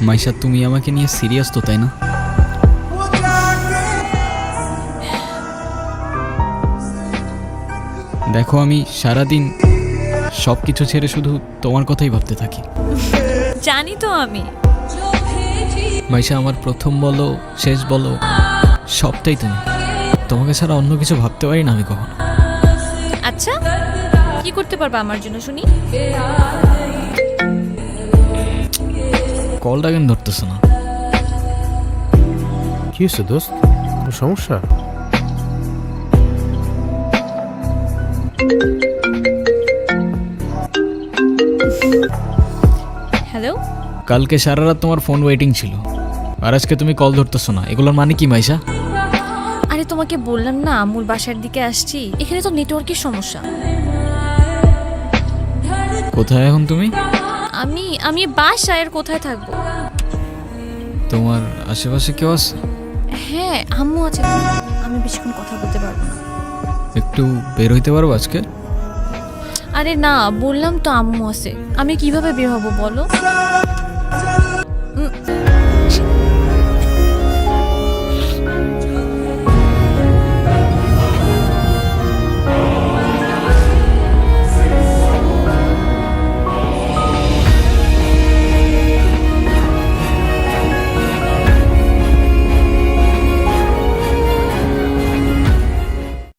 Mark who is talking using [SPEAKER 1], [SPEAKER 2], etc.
[SPEAKER 1] মাইশা, তুমি আমাকে নিয়ে সিরিয়াস তো, তাই না? দেখো, আমি সারাদিন সব কিছু ছেড়ে শুধু তোমার কথাই ভাবতে থাকি।
[SPEAKER 2] জানি তো আমি।
[SPEAKER 1] মাইশা, আমার প্রথম বলো শেষ বলো সবটাই তুমি। তোমাকে ছাড়া অন্য কিছু ভাবতে পারি না আমি কখনো।
[SPEAKER 2] আচ্ছা, কি করতে পারবা আমার জন্য শুনি?
[SPEAKER 1] কলটা কেন ধরতেছো না?
[SPEAKER 3] কি হয়েছে দোস্ত, কোনো সমস্যা?
[SPEAKER 2] হ্যালো।
[SPEAKER 1] কালকে সারা রাত তোমার ফোন ওয়েটিং ছিল, আর আজকে তুমি কল ধরতেছো না। এগুলোর মানে কি মাইশা?
[SPEAKER 2] আরে তোমাকে বললাম না আমুর বাসার দিকে আসছি, এখানে তো নেটওয়ার্কের সমস্যা।
[SPEAKER 1] কোথায় এখন তুমি?
[SPEAKER 2] আমি আমি বাসায়, আর কোথায় থাকবো?
[SPEAKER 1] তোমার আশেপাশে কেউ আছে?
[SPEAKER 2] হ্যাঁ, আম্মু আছে। আমি বেশিক্ষণ কথা বলতে পারবো না।
[SPEAKER 1] একটু বের হইতে পারবো আজকে?
[SPEAKER 2] আরে না, বললাম তো আম্মু আছে, আমি কিভাবে বের হবো বলো?